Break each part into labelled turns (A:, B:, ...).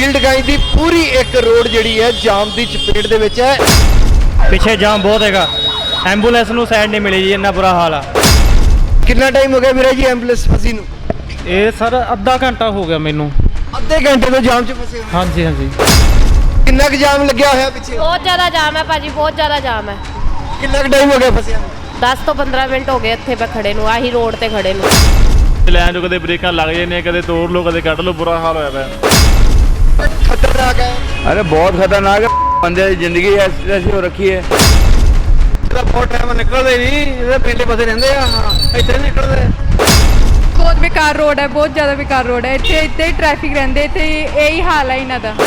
A: Field गाई की पूरी एक रोड जिहड़ी है जाम की चपेट दे विच है।
B: ਪਿੱਛੇ ਜਾਮ ਬਹੁਤ ਹੈਗਾ, ਐਂਬੂਲੈਂਸ ਨੂੰ ਸਾਈਡ ਨਹੀਂ ਮਿਲੀ ਜੀ, ਇੰਨਾ ਬੁਰਾ ਹਾਲ ਆ।
A: कितना टाइम हो गया मेरा जी एंबुलेंस फसी नूं?
B: ਇਹ ਸਰ ਅੱਧਾ ਘੰਟਾ ਹੋ ਗਿਆ ਮੈਨੂੰ।
A: ਅੱਧੇ ਘੰਟੇ ਤੋਂ ਜਾਮ 'ਚ ਫਸੇ ਹੋਏ।
B: ਹਾਂਜੀ ਹਾਂਜੀ।
A: ਕਿੰਨਾ ਕੁ ਜਾਮ ਲੱਗਿਆ ਹੋਇਆ ਪਿੱਛੇ?
C: ਬਹੁਤ ਜ਼ਿਆਦਾ ਜਾਮ ਹੈ ਭਾਜੀ, ਬਹੁਤ ਜ਼ਿਆਦਾ ਜਾਮ ਹੈ।
A: ਕਿੰਨਾ ਕੁ ਟਾਈਮ ਹੋ ਗਿਆ ਫਸਿਆ ਨੂੰ?
C: 10 ਤੋਂ 15 ਮਿੰਟ ਹੋ ਗਏ ਇੱਥੇ ਪੇ ਖੜੇ ਨੂੰ, ਆਹੀ ਰੋਡ ਤੇ ਖੜੇ ਨੂੰ।
D: ਲੈਣ ਜੋ ਕਦੇ ਬ੍ਰੇਕਾਂ ਲੱਗ ਜਾਂਦੀਆਂ, ਕਦੇ ਤੋੜ ਲੋ, ਕਦੇ ਕੱਢ ਲੋ, ਬੁਰਾ ਹਾਲ ਹੋਇਆ ਪਿਆ।
A: खतरनाक है।
E: अरे बहुत खतरनाक है, बंदे की जिंदगी ऐसी हो रखी है।
A: बहुत टाइम निकलते नहीं, पिंडे पासे रहंदे आ, इत्थे निकलदे।
F: ਬਹੁਤ ਬੇਕਾਰ ਰੋਡ ਹੈ, ਬਹੁਤ ਜ਼ਿਆਦਾ ਬੇਕਾਰ ਰੋਡ ਹੈ। ਇੱਥੇ ਇੱਥੇ ਹੀ ਟ੍ਰੈਫਿਕ ਰਹਿੰਦੇ, ਇੱਥੇ ਇਹੀ ਹਾਲ ਹੈ ਇਹਨਾਂ ਦਾ।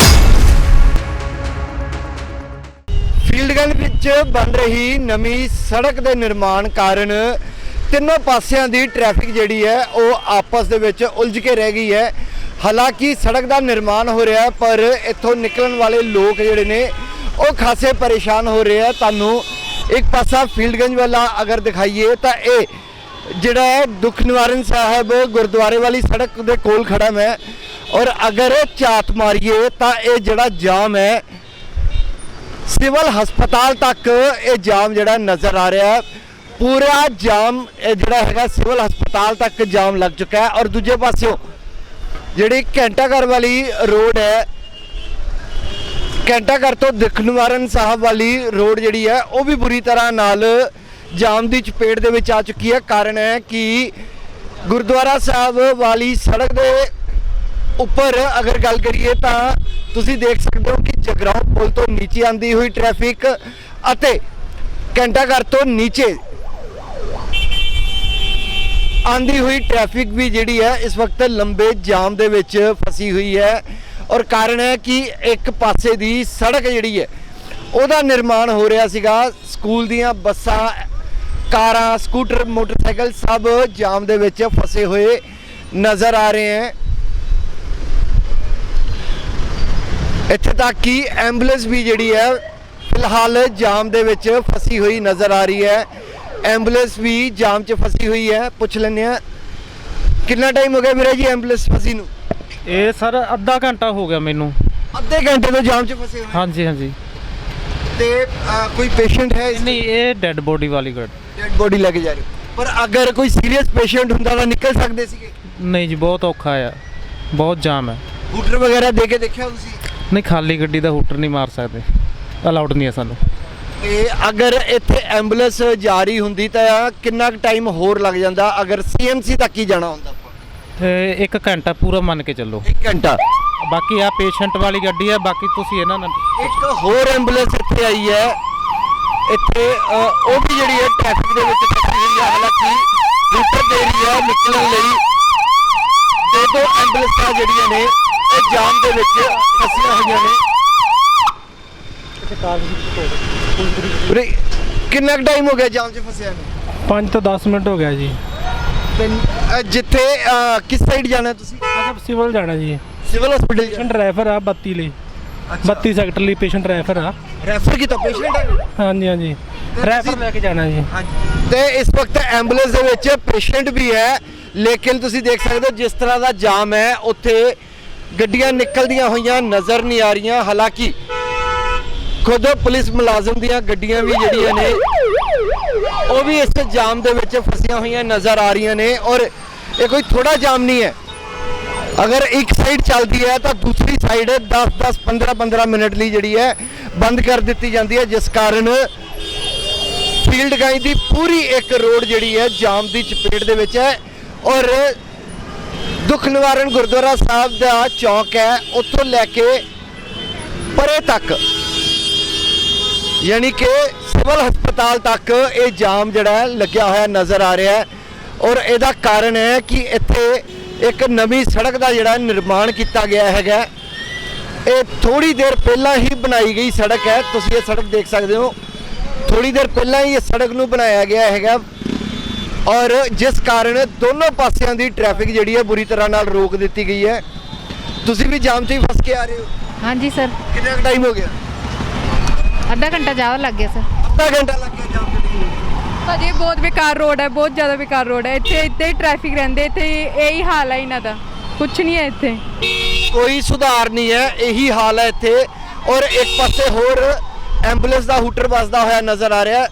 A: ਫੀਲਡਗਨ ਵਿੱਚ ਬਣ ਰਹੀ ਨਵੀਂ ਸੜਕ ਦੇ ਨਿਰਮਾਣ ਕਾਰਨ ਤਿੰਨੋਂ ਪਾਸਿਆਂ ਦੀ ਟ੍ਰੈਫਿਕ ਜਿਹੜੀ ਹੈ ਉਹ ਆਪਸ ਦੇ ਵਿੱਚ ਉਲਝ ਕੇ ਰਹਿ ਗਈ ਹੈ। ਹਾਲਾਂਕਿ ਸੜਕ ਦਾ ਨਿਰਮਾਣ ਹੋ ਰਿਹਾ ਪਰ ਇੱਥੋਂ ਨਿਕਲਣ ਵਾਲੇ ਲੋਕ ਜਿਹੜੇ ਨੇ ਉਹ ਖਾਸੇ ਪਰੇਸ਼ਾਨ ਹੋ ਰਹੇ ਆ। ਤੁਹਾਨੂੰ ਇੱਕ ਪਾਸਾ ਫੀਲਡਗੰਜ ਵਾਲਾ ਅਗਰ ਦਿਖਾਈਏ ਤਾਂ ਇਹ ਜਿਹੜਾ ਹੈ ਦੁੱਖ ਨਿਵਾਰਨ ਸਾਹਿਬ ਗੁਰਦੁਆਰੇ ਵਾਲੀ ਸੜਕ ਦੇ ਕੋਲ ਖੜਾ ਮੈਂ, ਔਰ ਅਗਰ ਝਾਤ ਮਾਰੀਏ ਤਾਂ ਇਹ ਜਿਹੜਾ ਜਾਮ ਹੈ ਸਿਵਲ ਹਸਪਤਾਲ ਤੱਕ ਇਹ ਜਾਮ ਜਿਹੜਾ ਨਜ਼ਰ ਆ ਰਿਹਾ। ਪੂਰਾ ਜਾਮ ਇਹ ਜਿਹੜਾ ਹੈਗਾ ਸਿਵਲ ਹਸਪਤਾਲ ਤੱਕ ਜਾਮ ਲੱਗ ਚੁੱਕਾ ਹੈ। ਔਰ ਦੂਜੇ ਪਾਸਿਓਂ ਜਿਹੜੀ ਘੰਟਾਘਰ ਵਾਲੀ ਰੋਡ ਹੈ, ਘੰਟਾਘਰ ਤੋਂ ਦੁੱਖ ਨਿਵਾਰਨ ਸਾਹਿਬ ਵਾਲੀ ਰੋਡ ਜਿਹੜੀ ਹੈ ਉਹ ਵੀ ਬੁਰੀ ਤਰ੍ਹਾਂ ਨਾਲ ਜਾਮ ਦੀ ਚਪੇਟ ਦੇ ਵਿੱਚ ਆ ਚੁੱਕੀ ਹੈ। ਕਾਰਨ ਹੈ ਕਿ ਗੁਰਦੁਆਰਾ ਸਾਹਿਬ ਵਾਲੀ ਸੜਕ ਦੇ ਉੱਪਰ ਅਗਰ ਗੱਲ ਕਰੀਏ ਤਾਂ ਤੁਸੀਂ ਦੇਖ ਸਕਦੇ ਹੋ ਕਿ ਜਗਰਾਉਂ ਪੁਲ ਤੋਂ ਨੀਚੇ ਆਂਦੀ ਹੋਈ ਟ੍ਰੈਫਿਕ ਅਤੇ ਘੰਟਾਘਰ ਤੋਂ ਨੀਚੇ ਆਂਦੀ ਹੋਈ ਟ੍ਰੈਫਿਕ ਵੀ ਜਿਹੜੀ ਹੈ ਇਸ ਵਕਤ ਲੰਬੇ ਜਾਮ ਦੇ ਵਿੱਚ ਫਸੀ ਹੋਈ ਹੈ। ਔਰ ਕਾਰਨ ਹੈ ਕਿ ਇੱਕ ਪਾਸੇ ਦੀ ਸੜਕ ਜਿਹੜੀ ਹੈ ਉਹਦਾ ਨਿਰਮਾਣ ਹੋ ਰਿਹਾ ਸੀਗਾ। ਸਕੂਲ ਦੀਆਂ ਬੱਸਾਂ, ਕਾਰਾਂ, ਸਕੂਟਰ, ਮੋਟਰਸਾਈਕਲ ਸਭ ਜਾਮ ਦੇ ਵਿੱਚ ਫਸੇ ਹੋਏ ਨਜ਼ਰ ਆ ਰਹੇ ਹਨ। ਇੱਥੇ ਤੱਕ ਕਿ ਐਂਬੂਲੈਂਸ ਵੀ ਜਿਹੜੀ ਹੈ ਫਿਲਹਾਲ ਜਾਮ ਦੇ ਵਿੱਚ ਫਸੀ ਹੋਈ ਨਜ਼ਰ ਆ ਰਹੀ ਹੈ। ਐਂਬੂਲੈਂਸ ਵੀ ਜਾਮ 'ਚ ਫਸੀ ਹੋਈ ਹੈ। ਪੁੱਛ ਲੈਂਦੇ ਹਾਂ ਕਿੰਨਾ ਟਾਈਮ ਹੋ ਗਿਆ ਵੀਰੇ ਜੀ ਐਂਬੂਲੈਂਸ ਫਸੀ ਨੂੰ?
B: ਇਹ ਸਰ ਅੱਧਾ ਘੰਟਾ ਹੋ ਗਿਆ ਮੈਨੂੰ।
A: ਅੱਧੇ ਘੰਟੇ ਤੋਂ ਜਾਮ 'ਚ ਫਸੇ ਹੋਏ।
B: ਹਾਂਜੀ ਹਾਂਜੀ।
A: ਤੇ ਕੋਈ ਪੇਸ਼ੈਂਟ ਹੈ ਇਸ
B: ਨਹੀਂ, ਇਹ ਡੈੱਡ ਬੋਡੀ ਵਾਲੀ ਗੱਡੀ।
A: ਡੈਡ ਬੋਡੀ ਲੈ ਕੇ ਜਾ ਰਹੇ ਹੋ। ਪਰ ਅਗਰ ਕੋਈ ਸੀਰੀਅਸ ਪੇਸ਼ੈਂਟ ਹੁੰਦਾ ਤਾਂ ਨਿਕਲ ਸਕਦੇ ਸੀਗੇ?
B: ਨਹੀਂ ਜੀ, ਬਹੁਤ ਔਖਾ ਆ, ਬਹੁਤ ਜਾਮ ਹੈ।
A: ਹੂਟਰ ਵਗੈਰਾ ਦੇ ਕੇ ਦੇਖਿਆ ਤੁਸੀਂ?
B: ਨਹੀਂ, ਖਾਲੀ ਗੱਡੀ ਦਾ ਹੂਟਰ ਨਹੀਂ ਮਾਰ ਸਕਦੇ, ਅਲਾਉਡ ਨਹੀਂ ਹੈ ਸਾਨੂੰ।
A: ਤੇ ਅਗਰ ਇੱਥੇ ਐਂਬੂਲੈਂਸ ਜਾ ਰਹੀ ਹੁੰਦੀ ਤਾਂ ਕਿੰਨਾ ਕੁ ਟਾਈਮ ਹੋਰ ਲੱਗ ਜਾਂਦਾ ਅਗਰ ਸੀਐਮਸੀ ਤੱਕ ਹੀ ਜਾਣਾ ਹੁੰਦਾ?
B: ਤੇ 1 ਘੰਟਾ ਪੂਰਾ ਮੰਨ ਕੇ ਚੱਲੋ।
A: 1 ਘੰਟਾ।
B: ਬਾਕੀ ਆ ਪੇਸ਼ੈਂਟ ਵਾਲੀ ਗੱਡੀ ਹੈ, ਬਾਕੀ ਤੁਸੀਂ ਇਹਨਾਂ ਨਾਲ।
A: ਇੱਕ ਹੋਰ ਐਂਬੂਲੈਂਸ ਇੱਥੇ ਆਈ ਹੈ, ਇੱਥੇ ਉਹ ਵੀ ਜਿਹੜੀ ਹੈ ਟ੍ਰੈਫਿਕ ਦੇ ਵਿੱਚ ਫਸੀ ਹੋਈ ਹੈ। ਹਾਲਾਂਕਿ ਹੂਟਰ ਦੇ ਰਹੀ ਹੈ ਨਿਕਲਣ ਲਈ। ਦੋ ਐਂਬੂਲੈਂਸਾਂ ਜਿਹੜੀਆਂ ਨੇ ਇਹ ਜਾਮ ਦੇ ਵਿੱਚ ਫਸੀਆਂ ਹੋਈਆਂ ਨੇ। ਕਿੰਨਾ ਟਾਈਮ ਹੋ ਗਿਆ ਜਾਮ 'ਚ ਫਸਿਆ ਨੂੰ?
G: 5 ਤੋਂ 10 ਮਿੰਟ ਹੋ ਗਿਆ ਜੀ।
A: ਜਿੱਥੇ ਕਿਸ ਸਾਈਡ ਜਾਣਾ ਤੁਸੀਂ?
G: ਅੱਛਾ, ਸਿਵਲ ਜਾਣਾ ਜੀ।
A: ਸਿਵਲ ਹਸਪੀਟਲ
G: ਪੇਸ਼ੈਂਟ ਰੈਫਰ ਆ 32 ਲਈ, 32 ਸੈਕਟਰ ਲਈ ਪੇਸ਼ੈਂਟ ਰੈਫਰ ਆ।
A: ਰੈਫਰ ਕੀਤਾ ਪੇਸ਼ੈਂਟ ਹੈ?
G: ਹਾਂਜੀ ਹਾਂਜੀ, ਰੈਫਰ ਲੈ ਕੇ ਜਾਣਾ ਜੀ।
A: ਤੇ ਇਸ ਵਕਤ ਐਂਬੂਲੈਂਸ ਦੇ ਵਿੱਚ ਪੇਸ਼ੈਂਟ ਵੀ ਹੈ, ਲੇਕਿਨ ਤੁਸੀਂ ਦੇਖ ਸਕਦੇ ਹੋ ਜਿਸ ਤਰ੍ਹਾਂ ਦਾ ਜਾਮ ਹੈ ਉੱਥੇ ਗੱਡੀਆਂ ਨਿਕਲਦੀਆਂ ਹੋਈਆਂ ਨਜ਼ਰ ਨਹੀਂ ਆ ਰਹੀਆਂ। ਹਾਲਾਂਕਿ ਖੁਦ ਪੁਲਿਸ ਮੁਲਾਜ਼ਮ ਦੀਆਂ ਗੱਡੀਆਂ ਵੀ ਜਿਹੜੀਆਂ ਨੇ ਉਹ ਵੀ ਇਸ ਜਾਮ ਦੇ ਵਿੱਚ ਫਸੀਆਂ ਹੋਈਆਂ ਨਜ਼ਰ ਆ ਰਹੀਆਂ ਨੇ। ਔਰ ਇਹ ਕੋਈ ਥੋੜਾ ਜਾਮ ਨਹੀਂ ਹੈ, ਅਗਰ ਇੱਕ ਸਾਈਡ ਚੱਲਦੀ ਹੈ ਤਾਂ ਦੂਸਰੀ ਸਾਈਡ 10-10 15-15 ਮਿੰਟ ਲਈ ਜਿਹੜੀ ਹੈ ਬੰਦ ਕਰ ਦਿੱਤੀ ਜਾਂਦੀ ਹੈ, ਜਿਸ ਕਾਰਨ ਫੀਲਡ ਗਾਈ ਦੀ ਪੂਰੀ ਇੱਕ ਰੋਡ ਜਿਹੜੀ ਹੈ ਜਾਮ ਦੀ ਚਪੇਟ ਦੇ ਵਿੱਚ ਹੈ। ਔਰ ਦੁੱਖ ਨਿਵਾਰਨ ਗੁਰਦੁਆਰਾ ਸਾਹਿਬ ਦਾ ਚੌਕ ਹੈ, ਉੱਥੋਂ ਲੈ ਕੇ ਪਰੇ ਤੱਕ ਯਾਨੀ ਕਿ ਸਿਵਲ ਹਸਪਤਾਲ ਤੱਕ ਇਹ ਜਾਮ ਜਿਹੜਾ ਲੱਗਿਆ ਹੋਇਆ ਨਜ਼ਰ ਆ ਰਿਹਾ ਹੈ। ਔਰ ਇਹਦਾ ਕਾਰਨ ਹੈ ਕਿ ਇੱਥੇ ਇੱਕ ਨਵੀਂ ਸੜਕ ਦਾ ਜਿਹੜਾ ਨਿਰਮਾਣ ਕੀਤਾ ਗਿਆ ਹੈਗਾ। ਇਹ ਥੋੜੀ ਦੇਰ ਪਹਿਲਾਂ ਹੀ ਬਣਾਈ ਗਈ ਸੜਕ ਹੈ, ਤੁਸੀਂ ਇਹ ਸੜਕ ਦੇਖ ਸਕਦੇ ਹੋ। ਥੋੜੀ ਦੇਰ ਪਹਿਲਾਂ ਹੀ ਇਹ ਸੜਕ ਨੂੰ ਬਣਾਇਆ ਗਿਆ ਹੈਗਾ ਔਰ ਜਿਸ ਕਾਰਨ ਦੋਨੋਂ ਪਾਸਿਆਂ ਦੀ ਟ੍ਰੈਫਿਕ ਜਿਹੜੀ ਹੈ ਬੁਰੀ ਤਰ੍ਹਾਂ ਨਾਲ ਰੋਕ ਦਿੱਤੀ ਗਈ ਹੈ। ਤੁਸੀਂ ਵੀ ਜਾਮ 'ਚ ਹੀ ਫਸ ਕੇ ਆ ਰਹੇ ਹੋ?
F: ਹਾਂਜੀ ਸਰ।
A: ਕਿੰਨਾ ਟਾਈਮ ਹੋ ਗਿਆ?
F: ਅੱਧਾ ਘੰਟਾ ਜ਼ਿਆਦਾ ਲੱਗ ਗਿਆ ਸਰ।
A: ਅੱਧਾ ਘੰਟਾ ਲੱਗ ਗਿਆ ਜਾਮ 'ਚ?
F: ਭਾਜੀ ਬਹੁਤ ਬੇਕਾਰ ਰੋਡ ਹੈ, ਬਹੁਤ ਜ਼ਿਆਦਾ ਬੇਕਾਰ ਰੋਡ ਹੈ। ਇੱਥੇ ਇੱਥੇ ਹੀ ਟ੍ਰੈਫਿਕ ਰਹਿੰਦੇ, ਇੱਥੇ ਇਹੀ ਹਾਲ ਹੈ ਇਹਨਾਂ ਦਾ। ਕੁਛ ਨਹੀਂ ਹੈ ਇੱਥੇ।
A: ਕੋਈ ਸੁਧਾਰ ਨਹੀਂ ਹੈ, ਇਹੀ ਹਾਲ ਹੈ ਇੱਥੇ। ਔਰ ਇੱਕ ਪਾਸੇ ਹੋਰ ਐਂਬੂਲੈਂਸ ਦਾ ਹੂਟਰ ਵੱਜਦਾ ਹੋਇਆ ਨਜ਼ਰ ਆ ਰਿਹਾ ਹੈ।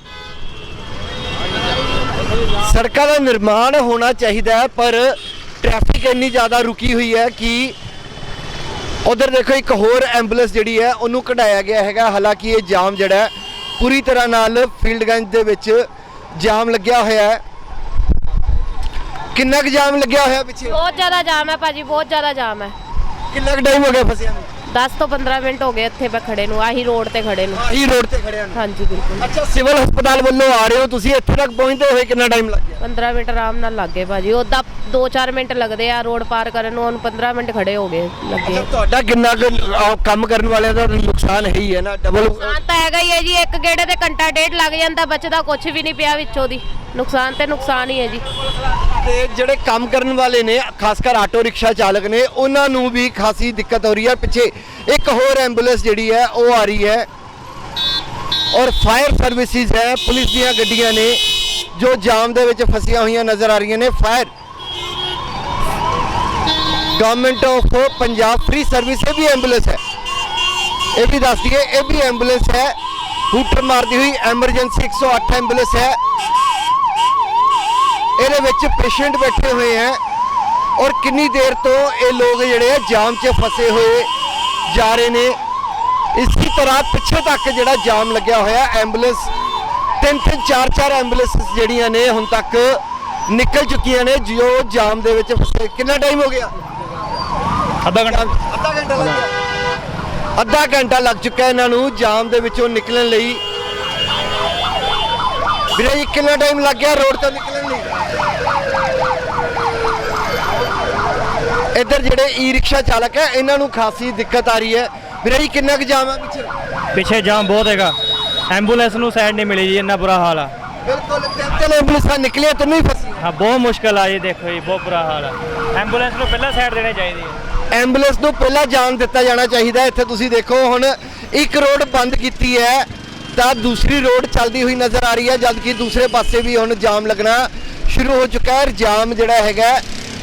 A: ਸੜਕਾਂ ਦਾ ਨਿਰਮਾਣ ਹੋਣਾ ਚਾਹੀਦਾ ਹੈ, ਪਰ ਟ੍ਰੈਫਿਕ ਇੰਨੀ ਜ਼ਿਆਦਾ ਰੁਕੀ ਹੋਈ ਹੈ ਕਿ ਉਧਰ ਦੇਖੋ ਇੱਕ ਹੋਰ ਐਂਬੂਲੈਂਸ ਜਿਹੜੀ ਹੈ ਉਹਨੂੰ ਕਢਾਇਆ ਗਿਆ ਹੈਗਾ। ਹਾਲਾਂਕਿ ਇਹ ਜਾਮ ਜਿਹੜਾ ਹੈ ਪੂਰੀ ਤਰ੍ਹਾਂ ਨਾਲ ਫੀਲਡਗੰਜ ਦੇ ਵਿੱਚ ਜਾਮ ਲੱਗਿਆ ਹੋਇਆ ਹੈ। ਕਿੰਨਾ ਕੁ ਜਾਮ ਲੱਗਿਆ ਹੋਇਆ ਪਿੱਛੇ?
C: ਬਹੁਤ ਜ਼ਿਆਦਾ ਜਾਮ ਹੈ ਭਾਜੀ, ਬਹੁਤ ਜ਼ਿਆਦਾ ਜਾਮ ਹੈ।
A: ਕਿੰਨਾ ਕੁ ਟਾਈਮ ਹੋ ਗਿਆ ਫਸਿਆ ਨੂੰ?
C: 10 ਤੋਂ 15 ਮਿੰਟ ਹੋ ਗਏ ਇੱਥੇ ਮੈਂ ਖੜੇ ਨੂੰ, ਆਹੀ ਰੋਡ ਤੇ ਖੜੇ ਨੂੰ।
A: ਆਹੀ ਰੋਡ ਤੇ ਖੜਿਆ ਨੂੰ?
C: ਹਾਂਜੀ ਬਿਲਕੁਲ।
A: ਅੱਛਾ, ਸਿਵਲ ਹਸਪਤਾਲ ਵੱਲੋਂ ਆ ਰਹੇ ਹੋ ਤੁਸੀਂ, ਇੱਥੇ ਤੱਕ ਪਹੁੰਚਦੇ ਹੋਏ ਕਿੰਨਾ ਟਾਈਮ ਲੱਗ ਗਿਆ?
C: 15 ਮਿੰਟ ਆਰਾਮ ਨਾਲ ਲੱਗ ਗਏ ਭਾਜੀ। ਉੱਦਾਂ 2-4 ਮਿੰਟ ਲੱਗਦੇ ਆ ਰੋਡ ਪਾਰ ਕਰਨ ਨੂੰ, ਹੁਣ 15 ਮਿੰਟ ਖੜੇ ਹੋ ਗਏ ਲੱਗੇ।
A: ਤੁਹਾਡਾ ਕਿੰਨਾ ਕੁ ਕੰਮ ਕਰਨ ਵਾਲਿਆਂ ਦਾ ਨੁਕਸਾਨ ਹੈ ਹੀ ਹੈ ਨਾ, ਡਬਲ
C: ਨੁਕਸਾਨ ਤਾਂ ਹੈਗਾ ਹੀ ਹੈ ਜੀ। ਇੱਕ ਗੇੜੇ ਤੇ ਘੰਟਾ ਡੇਢ ਲੱਗ ਜਾਂਦਾ, ਬਚਦਾ ਕੁਝ ਵੀ ਨਹੀਂ ਪਿਆ ਵਿੱਚੋਂ ਦੀ। ਨੁਕਸਾਨ ਤੇ ਨੁਕਸਾਨ ਹੀ ਹੈ ਜੀ।
A: ਤੇ ਜਿਹੜੇ ਕੰਮ ਕਰਨ ਵਾਲੇ ਨੇ, ਖਾਸ ਕਰ ਆਟੋ ਰਿਕਸ਼ਾ ਚਾਲਕ ਨੇ, ਉਹਨਾਂ ਨੂੰ ਵੀ ਖਾਸੀ ਦਿੱਕਤ ਹੋ ਰਹੀ ਹੈ। ਪਿੱਛੇ ਇੱਕ ਹੋਰ ਐਂਬੂਲੈਂਸ ਜਿਹੜੀ ਹੈ ਉਹ ਆ ਰਹੀ ਹੈ ਔਰ ਫਾਇਰ ਸਰਵਿਸਿਜ਼ ਹੈ, ਪੁਲਿਸ ਦੀਆਂ ਗੱਡੀਆਂ ਨੇ ਜੋ ਜਾਮ ਦੇ ਵਿੱਚ ਫਸੀਆਂ ਹੋਈਆਂ ਨਜ਼ਰ ਆ ਰਹੀਆਂ ਨੇ। Fire government of Punjab free service ਇਹ ਵੀ ਐਂਬੂਲੈਂਸ ਹੈ, ਇਹ ਵੀ ਦੱਸ ਦਈਏ, ਇਹ ਵੀ ਐਂਬੂਲੈਂਸ ਹੈ। ਹੂਟਰ ਮਾਰਦੀ ਹੋਈ ਐਮਰਜੈਂਸੀ 108 ਐਂਬੂਲੈਂਸ ਹੈ। ਇਹਦੇ ਵਿੱਚ ਪੇਸ਼ੈਂਟ ਬੈਠੇ ਹੋਏ ਹੈ ਔਰ ਕਿੰਨੀ ਦੇਰ ਤੋਂ ਇਹ ਲੋਕ ਜਿਹੜੇ ਆ ਜਾਮ 'ਚ ਫਸੇ ਹੋਏ ਜਾ ਰਹੇ ਨੇ। ਇਸੇ ਤਰ੍ਹਾਂ ਪਿੱਛੇ ਤੱਕ ਜਿਹੜਾ ਜਾਮ ਲੱਗਿਆ ਹੋਇਆ, ਐਂਬੂਲੈਂਸ 3-3 4-4 ਐਂਬੂਲੈਂਸ ਜਿਹੜੀਆਂ ਨੇ ਹੁਣ ਤੱਕ ਨਿਕਲ ਚੁੱਕੀਆਂ ਨੇ ਜੋ ਜਾਮ ਦੇ ਵਿੱਚ ਫਸੇ। ਕਿੰਨਾ ਟਾਈਮ ਹੋ ਗਿਆ?
D: ਅੱਧਾ ਘੰਟਾ
A: ਲੱਗ ਗਿਆ। ਅੱਧਾ ਘੰਟਾ ਲੱਗ ਚੁੱਕਾ ਇਹਨਾਂ ਨੂੰ ਜਾਮ ਦੇ ਵਿੱਚੋਂ ਨਿਕਲਣ ਲਈ। ਵੀਰੇ ਜੀ ਕਿੰਨਾ ਟਾਈਮ ਲੱਗ ਗਿਆ ਰੋਡ ਤੋਂ ਨਿਕਲਣ ਲਈ? ਇੱਧਰ ਜਿਹੜੇ ਈ ਰਿਕਸ਼ਾ ਚਾਲਕ ਹੈ ਇਹਨਾਂ ਨੂੰ ਖਾਸੀ ਦਿੱਕਤ ਆ ਰਹੀ ਹੈ। ਵੀਰੇ ਜੀ ਕਿੰਨਾ ਕੁ ਜਾਮ ਹੈ ਪਿੱਛੇ?
B: ਪਿੱਛੇ ਜਾਮ ਬਹੁਤ ਹੈਗਾ, ਐਂਬੂਲੈਂਸ ਨੂੰ ਸਾਈਡ ਨਹੀਂ ਮਿਲੀ ਜੀ, ਇੰਨਾ ਬੁਰਾ ਹਾਲ ਆ।
A: ਬਿਲਕੁਲ, ਤਿੰਨ ਐਂਬੂਲੈਂਸਾਂ ਨਿਕਲੀਆਂ, ਤੈਨੂੰ ਹੀ ਫਸੀ।
B: ਹਾਂ ਬਹੁਤ ਮੁਸ਼ਕਲ ਆ ਜੀ, ਦੇਖੋ ਜੀ ਬਹੁਤ ਬੁਰਾ ਹਾਲ ਆ। ਐਂਬੂਲੈਂਸ ਨੂੰ ਪਹਿਲਾਂ ਸਾਈਡ ਦੇਣੀ ਚਾਹੀਦੀ ਹੈ।
A: ਐਂਬੂਲੈਂਸ ਨੂੰ ਪਹਿਲਾਂ ਜਾਣ ਦਿੱਤਾ ਜਾਣਾ ਚਾਹੀਦਾ। ਇੱਥੇ ਤੁਸੀਂ ਦੇਖੋ ਹੁਣ ਇੱਕ ਰੋਡ ਬੰਦ ਕੀਤੀ ਹੈ ਤਾਂ ਦੂਸਰੀ ਰੋਡ ਚੱਲਦੀ ਹੋਈ ਨਜ਼ਰ ਆ ਰਹੀ ਹੈ, ਜਦਕਿ ਦੂਸਰੇ ਪਾਸੇ ਵੀ ਹੁਣ ਜਾਮ ਲੱਗਣਾ ਸ਼ੁਰੂ ਹੋ ਚੁੱਕਾ ਹੈ। ਜਾਮ ਜਿਹੜਾ ਹੈਗਾ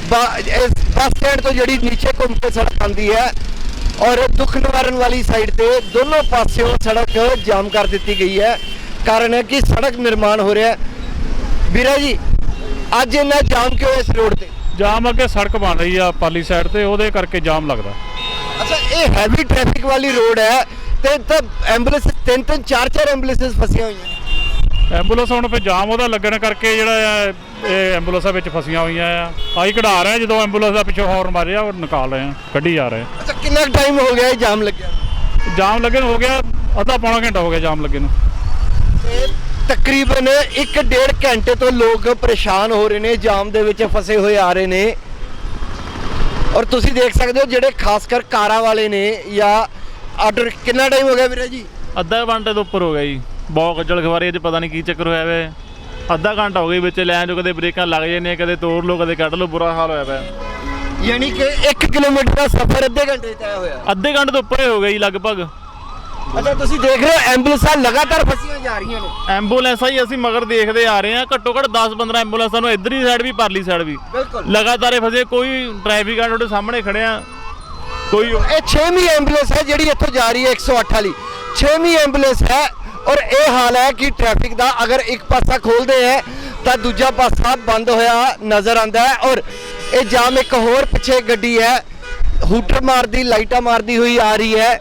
A: ਬੱਸ ਸਟੈਂਡ ਤੋਂ ਜਿਹੜੀ ਨੀਚੇ ਘੁੰਮ ਕੇ ਸੜਕ ਆਉਂਦੀ ਹੈ ਔਰ ਦੁੱਖ ਨਿਵਾਰਨ ਵਾਲੀ ਸਾਈਡ ਤੇ ਦੋਨੋਂ ਪਾਸਿਓਂ ਸੜਕ ਜਾਮ ਕਰ ਦਿੱਤੀ ਗਈ ਹੈ। ਕਾਰਨ ਹੈ ਕਿ ਸੜਕ ਨਿਰਮਾਣ ਹੋ ਰਿਹਾ ਹੈ। ਵੀਰਾ ਜੀ ਅੱਜ ਇੰਨਾ ਜਾਮ ਕਿਉਂ ਇਸ ਰੋਡ ਤੇ?
D: ਜਾਮ ਅੱਗੇ ਸੜਕ ਬਣ ਰਹੀ ਆ ਪਾਲੀ ਸਾਈਡ ਤੇ, ਉਹਦੇ ਕਰਕੇ ਜਾਮ ਲੱਗਦਾ।
A: ਅੱਛਾ, ਇਹ ਹੈਵੀ ਟ੍ਰੈਫਿਕ ਵਾਲੀ ਰੋਡ ਹੈ ਤੇ ਤਾਂ ਐਂਬੂਲੈਂਸ 3-3 4-4 ਐਂਬੂਲੈਂਸ ਫਸੀਆਂ ਹੋਈਆਂ ਨੇ।
D: ਐਂਬੂਲੈਂਸ ਹੁਣ ਫਿਰ ਜਾਮ ਉਹਦਾ ਲੱਗਣ ਕਰਕੇ ਜਿਹੜਾ ਆ ਇਹ ਐਂਬੂਲੈਂਸਾਂ ਵਿੱਚ ਫਸੀਆਂ ਹੋਈਆਂ ਆ। ਆਹੀ ਕਢਾ ਰਹੇ ਜਦੋਂ ਐਂਬੂਲੈਂਸ ਦਾ ਪਿੱਛੋਂ ਹੌਰਨ ਮਾਰਿਆ ਉਹ ਨਿਕਾਲ ਰਹੇ ਆ, ਕੱਢੀ ਜਾ ਰਹੇ।
A: ਅੱਛਾ, ਕਿੰਨਾ ਟਾਈਮ ਹੋ ਗਿਆ ਇਹ ਜਾਮ ਲੱਗਿਆ?
D: ਜਾਮ ਲੱਗੇ ਨੂੰ ਹੋ ਗਿਆ ਅੱਧਾ ਪੌਣਾ ਘੰਟਾ ਹੋ ਗਿਆ ਜਾਮ ਲੱਗੇ ਨੂੰ।
A: ਤਕਰੀਬਨ 1-1.5 ਘੰਟੇ ਤੋਂ ਲੋਕ ਪਰੇਸ਼ਾਨ ਹੋ ਰਹੇ ਨੇ, ਜਾਮ ਦੇ ਵਿੱਚ ਫਸੇ ਹੋਏ ਆ ਰਹੇ ਨੇ। ਔਰ ਤੁਸੀਂ ਦੇਖ ਸਕਦੇ ਹੋ ਜਿਹੜੇ ਖਾਸ ਕਰ ਕਾਰਾਂ ਵਾਲੇ ਨੇ ਜਾਂ ਆਟੋ। ਕਿੰਨਾ ਟਾਈਮ ਹੋ ਗਿਆ ਵੀਰੇ ਜੀ?
D: ਅੱਧਾ ਘੰਟੇ ਤੋਂ ਉੱਪਰ ਹੋ ਗਿਆ ਜੀ। ਬਹੁਤ ਗੱਜਲ ਖਵਾਰੀ 'ਚ ਪਤਾ ਨਹੀਂ ਕੀ ਚੱਕਰ ਹੋਇਆ ਵੇ। ਅੱਧਾ ਘੰਟਾ ਹੋ ਗਿਆ ਵਿੱਚ ਲੈਣ 'ਚ, ਕਦੇ ਬ੍ਰੇਕਾਂ ਲੱਗ ਜਾਂਦੀਆਂ, ਕਦੇ ਤੋੜ ਲਓ ਕਦੇ ਕੱਢ ਲਓ, ਬੁਰਾ ਹਾਲ ਹੋਇਆ ਪਿਆ।
A: ਯਾਨੀ ਕਿ 1 ਕਿਲੋਮੀਟਰ ਦਾ ਸਫ਼ਰ ਅੱਧੇ ਘੰਟੇ 'ਚ ਤੈਅ ਹੋਇਆ?
D: ਅੱਧੇ ਘੰਟੇ ਤੋਂ ਉੱਪਰ ਹੋ ਗਿਆ ਜੀ ਲਗਭਗ।
A: ਅੱਛਾ, ਤੁਸੀਂ ਦੇਖ ਰਹੇ ਹੋ ਐਂਬੂਲੈਂਸਾਂ ਲਗਾਤਾਰ ਫਸੀਆਂ ਜਾ ਰਹੀਆਂ ਨੇ।
D: ਐਂਬੂਲੈਂਸਾਂ ਹੀ ਅਸੀਂ ਮਗਰ ਦੇਖਦੇ ਆ ਰਹੇ ਹਾਂ, ਘੱਟੋ ਘੱਟ 10-15 ਐਂਬੂਲੈਂਸਾਂ ਨੂੰ ਇੱਧਰਲੀ ਸਾਈਡ ਵੀ ਪਰਲੀ ਸਾਈਡ ਵੀ ਲਗਾਤਾਰ ਇਹ ਫਸੇ। ਕੋਈ ਟ੍ਰੈਫਿਕ ਗਾਰਡ ਤੁਹਾਡੇ ਸਾਹਮਣੇ ਖੜਿਆ ਕੋਈ।
A: ਇਹ 6ਵੀਂ ਐਂਬੂਲੈਂਸ ਹੈ ਜਿਹੜੀ ਇੱਥੋਂ ਜਾ ਰਹੀ ਹੈ 108 ਵਾਲੀ, 6ਵੀਂ ਐਂਬੂਲੈਂਸ ਹੈ। ਔਰ ਇਹ ਹਾਲ ਹੈ ਕਿ ਟ੍ਰੈਫਿਕ ਦਾ ਅਗਰ ਇੱਕ ਪਾਸਾ ਖੋਲਦੇ ਹੈ ਤਾਂ ਦੂਜਾ ਪਾਸਾ ਬੰਦ ਹੋਇਆ ਨਜ਼ਰ ਆਉਂਦਾ ਹੈ। ਔਰ ਇਹ ਜਾਮ ਇੱਕ ਹੋਰ ਪਿੱਛੇ ਗੱਡੀ ਹੈ ਹੂਟਰ ਮਾਰਦੀ, ਲਾਈਟਾਂ ਮਾਰਦੀ ਹੋਈ ਆ ਰਹੀ ਹੈ।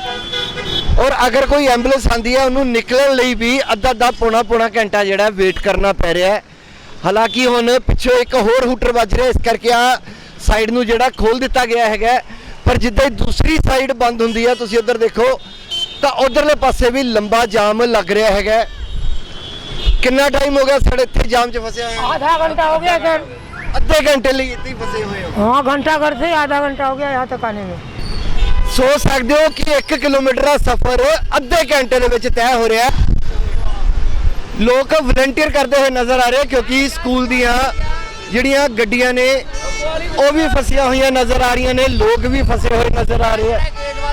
A: ਔਰ ਅਗਰ ਕੋਈ ਐਂਬੂਲੈਂਸ ਆਂਦੀ ਹੈ ਉਹਨੂੰ ਨਿਕਲਣ ਲਈ ਵੀ ਅੱਧਾ ਪੌਣਾ ਘੰਟਾ ਜਿਹੜਾ ਵੇਟ ਕਰਨਾ ਪੈ ਰਿਹਾ ਹੈ। ਹਾਲਾਂਕਿ ਹੁਣ ਪਿੱਛੋਂ ਇੱਕ ਹੋਰ ਹੂਟਰ ਵੱਜ ਰਿਹਾ, ਇਸ ਕਰਕੇ ਆ ਸਾਈਡ ਨੂੰ ਜਿਹੜਾ ਖੋਲ ਦਿੱਤਾ ਗਿਆ ਹੈਗਾ। ਪਰ ਜਿੱਦਾਂ ਹੀ ਦੂਸਰੀ ਸਾਈਡ ਬੰਦ ਹੁੰਦੀ ਹੈ, ਤੁਸੀਂ ਉੱਧਰ ਦੇਖੋ ਤਾਂ ਉਧਰਲੇ ਪਾਸੇ ਵੀ ਲੰਬਾ ਜਾਮ ਲੱਗ ਰਿਹਾ ਹੈਗਾ। ਕਿੰਨਾ ਟਾਈਮ ਹੋ ਗਿਆ ਸਾਡੇ ਇੱਥੇ ਜਾਮ 'ਚ ਫਸਿਆ ਹੋਇਆ?
H: आधा घंटा हो गया सर।
A: ਅੱਧੇ ਘੰਟੇ ਲਈ ਇੱਥੇ ਹੀ ਫਸੇ ਹੋਏ ਹੋ?
H: हाँ, घंटा घर से आधा घंटा हो गया यहाँ तक आने में।
A: ਸੋਚ ਸਕਦੇ ਹੋ ਕਿ 1 ਕਿਲੋਮੀਟਰ ਦਾ ਸਫ਼ਰ ਅੱਧੇ ਘੰਟੇ ਦੇ ਵਿੱਚ ਤੈਅ ਹੋ ਰਿਹਾ। ਲੋਕ ਵਲੰਟੀਅਰ ਕਰਦੇ ਹੋਏ ਨਜ਼ਰ ਆ ਰਹੇ ਕਿਉਂਕਿ ਸਕੂਲ ਦੀਆਂ ਜਿਹੜੀਆਂ ਗੱਡੀਆਂ ਨੇ ਉਹ ਵੀ ਫਸੀਆਂ ਹੋਈਆਂ ਨਜ਼ਰ ਆ ਰਹੀਆਂ ਨੇ, ਲੋਕ ਵੀ ਫਸੇ ਹੋਏ ਨਜ਼ਰ ਆ ਰਹੇ ਆ।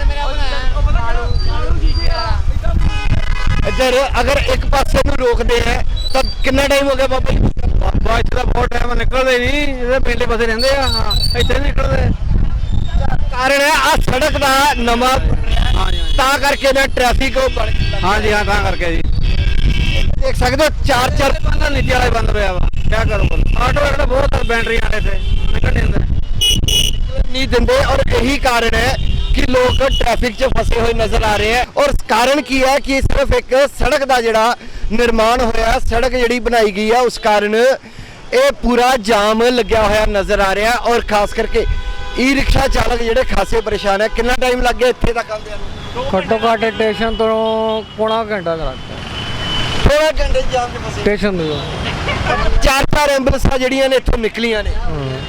A: ਇੱਧਰ ਅਗਰ ਇੱਕ ਪਾਸੇ ਨੂੰ ਰੋਕਦੇ ਹੈ ਤਾਂ ਕਿੰਨਾ ਟਾਈਮ ਹੋ ਗਿਆ ਬਾਬਾ ਜੀ?
E: ਬਾਅਦ ਦਾ ਬਹੁਤ ਟਾਈਮ ਨਿਕਲਦੇ ਨਹੀਂ, ਇਹਦੇ ਪਹਿਲੇ ਪਾਸੇ ਰਹਿੰਦੇ ਆ, ਇੱਥੇ ਨਹੀਂ ਨਿਕਲਦੇ।
A: ਕਾਰਨ ਹੈ ਆ ਸੜਕ ਦਾ ਨਵਾਂ ਤਾਂ ਕਰਕੇ ਨਾ ਟ੍ਰੈਫਿਕ ਉਹ ਬਣ
E: ਹਾਂਜੀ ਹਾਂ ਤਾਂ ਕਰਕੇ ਜੀ
A: ਦੇਖ ਸਕਦੇ ਹੋ ਚਾਰ
E: ਬੰਦਾ ਨੀਚੇ ਵਾਲਾ ਬੰਦ ਹੋਇਆ ਵਾ ਕੀ ਕਰੋ ਆਟੋ ਵਾਲੇ ਬਹੁਤ ਬੈਟਰੀਆਂ ਵਾਲੇ ਇੱਥੇ ਨਿਕਲ ਨਹੀਂ ਦਿੰਦੇ
A: ਨਹੀਂ ਦਿੰਦੇ ਔਰ ਇਹੀ ਕਾਰਨ ਹੈ ਕਿ ਲੋਕ ਟ੍ਰੈਫਿਕ 'ਚ ਫਸੇ ਹੋਏ ਨਜ਼ਰ ਆ ਰਹੇ ਹੈ ਔਰ ਕਾਰਨ ਕੀ ਹੈ ਕਿ ਸਿਰਫ ਇੱਕ ਸੜਕ ਦਾ ਜਿਹੜਾ ਨਿਰਮਾਣ ਹੋਇਆ ਸੜਕ ਜਿਹੜੀ ਬਣਾਈ ਗਈ ਹੈ ਉਸ ਕਾਰਨ ਇਹ ਪੂਰਾ ਜਾਮ ਲੱਗਿਆ ਹੋਇਆ ਨਜ਼ਰ ਆ ਰਿਹਾ ਔਰ ਖਾਸ ਕਰਕੇ ਈ ਰਿਕਸ਼ਾ ਚਾਲਕ ਜਿਹੜੇ ਖਾਸੇ ਪਰੇਸ਼ਾਨ ਹੈ ਕਿੰਨਾ ਟਾਈਮ ਲੱਗ ਗਿਆ ਇੱਥੇ ਤੱਕ ਆਉਂਦਿਆਂ ਨੂੰ
I: ਘੱਟੋ ਘੱਟ ਸਟੇਸ਼ਨ ਤੋਂ ਪੌਣਾ ਘੰਟਾ ਦਾ ਲੱਗਦਾ
A: ਥੋੜਾ ਘੰਟੇ ਜਾਮ 'ਚ ਫਸੇ
I: ਸਟੇਸ਼ਨ ਤੋਂ
A: ਚਾਰ ਐਂਬੂਲੈਂਸਾਂ ਜਿਹੜੀਆਂ ਨੇ ਇੱਥੋਂ ਨਿਕਲੀਆਂ ਨੇ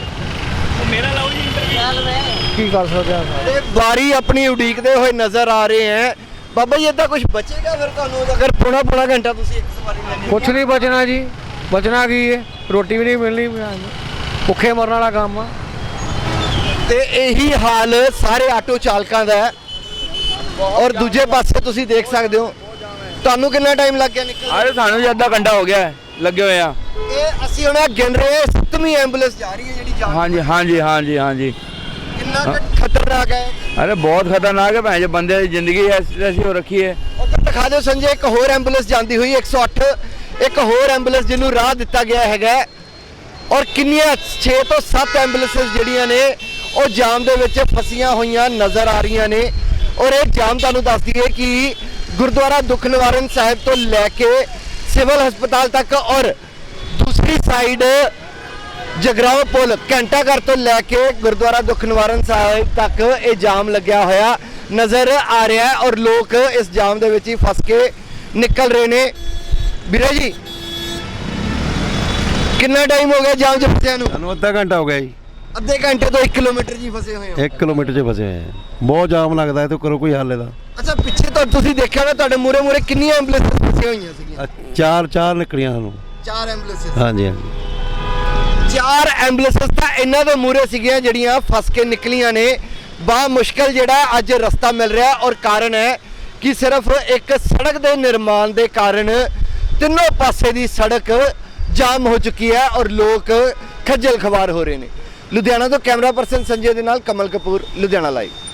I: ਕੀ ਕਰ ਸਕਦੇ ਆ
A: ਤੇ ਵਾਰੀ ਆਪਣੀ ਉਡੀਕਦੇ ਹੋਏ ਨਜ਼ਰ ਆ ਰਹੇ ਹੈ ਬਾਬਾ ਜੀ ਇਦਾਂ ਕੁਝ ਬਚੇਗਾ ਫਿਰ ਤੁਹਾਨੂੰ ਅਗਰ ਪੌਣਾ ਘੰਟਾ ਤੁਸੀਂ ਇੱਕ ਸਵਾਰੀ ਲੈਣੀ
I: ਕੁਛ ਨਹੀਂ ਬਚਣਾ ਜੀ ਬਚਣਾ ਕੀ ਹੈ ਰੋਟੀ ਵੀ ਨਹੀਂ ਮਿਲਣੀ ਭੁੱਖੇ ਮਰਨ ਵਾਲਾ ਕੰਮ ਆ
A: ਤੇ ਇਹੀ ਹਾਲ ਸਾਰੇ ਆਟੋ ਚਾਲਕਾਂ ਦਾ ਹੈ ਔਰ ਦੂਜੇ ਪਾਸੇ ਤੁਸੀਂ ਦੇਖ ਸਕਦੇ ਹੋ ਤੁਹਾਨੂੰ ਕਿੰਨਾ ਟਾਈਮ ਲੱਗ ਗਿਆ ਨਿਕਲ
E: ਅਰੇ ਸਾਨੂੰ ਜੀ ਅੱਧਾ ਘੰਟਾ ਹੋ ਗਿਆ ਲੱਗੇ ਹੋਏ ਆ
A: ਇਹ ਅਸੀਂ ਹੁਣ ਗਿਣ ਰਹੇ ਹਾਂ 7ਵੀਂ ਐਂਬੂਲੈਂਸ ਜਾ ਰਹੀ ਹੈ ਜਿਹੜੀ ਜਾ
E: ਹਾਂਜੀ ਹਾਂਜੀ ਹਾਂਜੀ ਹਾਂਜੀ
A: ਕਿੰਨਾ ਖਤਰਨਾਕ ਹੈ
E: ਅਰੇ ਬਹੁਤ ਖਤਰਨਾਕ ਹੈ ਭੈਣ ਜੀ ਬੰਦੇ ਦੀ ਜ਼ਿੰਦਗੀ ਐਸੀ ਹੋ ਰੱਖੀ ਹੈ
A: ਉੱਧਰ ਦਿਖਾ ਦਿਓ ਸੰਜੇ ਇੱਕ ਹੋਰ ਐਂਬੂਲੈਂਸ ਜਾਂਦੀ ਹੋਈ 108 ਇੱਕ ਹੋਰ ਐਂਬੂਲੈਂਸ ਜਿਹਨੂੰ ਰਾਹ ਦਿੱਤਾ ਗਿਆ ਹੈਗਾ ਔਰ ਕਿੰਨੀਆਂ 6 ਤੋਂ 7 ਐਂਬੂਲੈਂਸਸ ਜਿਹੜੀਆਂ ਨੇ ਉਹ ਜਾਮ ਦੇ ਵਿੱਚ ਫਸੀਆਂ ਹੋਈਆਂ ਨਜ਼ਰ ਆ ਰਹੀਆਂ ਨੇ ਔਰ ਇਹ ਜਾਮ ਤੁਹਾਨੂੰ ਦੱਸ ਦਈਏ ਕਿ ਗੁਰਦੁਆਰਾ ਦੁੱਖ ਨਿਵਾਰਨ ਸਾਹਿਬ ਤੋਂ ਲੈ ਕੇ ਸਿਵਲ ਹਸਪਤਾਲ ਤੱਕ ਔਰ ਦੂਸਰੀ ਸਾਈਡ ਜਗਰਾਓ ਪੁਲ ਘੰਟਾ ਘਰ ਤੋਂ ਲੈ ਕੇ ਗੁਰਦੁਆਰਾ ਦੁੱਖ ਨਿਵਾਰਨ ਸਾਹਿਬ ਤੱਕ ਇਹ ਜਾਮ ਲੱਗਿਆ ਹੋਇਆ ਨਜ਼ਰ ਆ ਰਿਹਾ ਹੈ ਔਰ ਲੋਕ ਇਸ ਜਾਮ ਦੇ ਵਿੱਚ ਹੀ ਫਸ ਕੇ ਨਿਕਲ ਰਹੇ ਨੇ ਵੀਰੇ ਜੀ ਕਿੰਨਾ ਟਾਈਮ ਹੋ ਗਿਆ ਜਾਮ 'ਚ ਫਸਿਆਂ ਨੂੰ
J: ਸਾਨੂੰ ਅੱਧਾ ਘੰਟਾ ਹੋ ਗਿਆ ਜੀ
A: ਅੱਧੇ ਘੰਟੇ ਤੋਂ 1 ਕਿਲੋਮੀਟਰ ਜੀ ਫਸੇ ਹੋਏ ਹੋ
J: 1 ਕਿਲੋਮੀਟਰ 'ਚ ਫਸੇ ਹੋਏ ਆ ਬਹੁਤ ਜਾਮ ਲੱਗਦਾ ਹੈ ਤੇ ਕਰੋ ਕੋਈ ਹੱਲ ਇਹਦਾ
A: ਅੱਛਾ ਪਿੱਛੇ ਤੋਂ ਤੁਸੀਂ ਦੇਖਿਆ ਹੋਣਾ ਤੁਹਾਡੇ ਮੂਰੇ ਕਿੰਨੀਆਂ ਐਂਬੂਲੈਂਸ ਫਸੀਆਂ ਹੋਈਆਂ ਸੀਗੀਆਂ
J: ਚਾਰ ਨਿਕਲੀਆਂ ਸਾਨੂੰ
A: 4 ਐਂਬੂਲੈਂਸ
J: ਹਾਂਜੀ ਹਾਂਜੀ
A: 4 ਐਂਬੂਲੈਂਸ ਤਾਂ ਇਹਨਾਂ ਦੇ ਮੂਰੇ ਸੀਗੀਆਂ ਜਿਹੜੀਆਂ ਫਸ ਕੇ ਨਿਕਲੀਆਂ ਨੇ ਬਾ ਮੁਸ਼ਕਲ ਜਿਹੜਾ ਅੱਜ ਰਸਤਾ ਮਿਲ ਰਿਹਾ ਔਰ ਕਾਰਨ ਹੈ ਕਿ ਸਿਰਫ ਇੱਕ ਸੜਕ ਦੇ ਨਿਰਮਾਣ ਦੇ ਕਾਰਨ ਤਿੰਨੋਂ ਪਾਸੇ ਦੀ ਸੜਕ ਜਾਮ ਹੋ ਚੁੱਕੀ ਹੈ ਔਰ ਲੋਕ ਖੱਜਲ ਖਵਾਰ ਹੋ ਰਹੇ ਨੇ ਲੁਧਿਆਣਾ ਤੋਂ ਕੈਮਰਾ ਪਰਸਨ ਸੰਜੇ ਦੇ ਨਾਲ ਕਮਲ ਕਪੂਰ ਲੁਧਿਆਣਾ ਲਾਈਵ।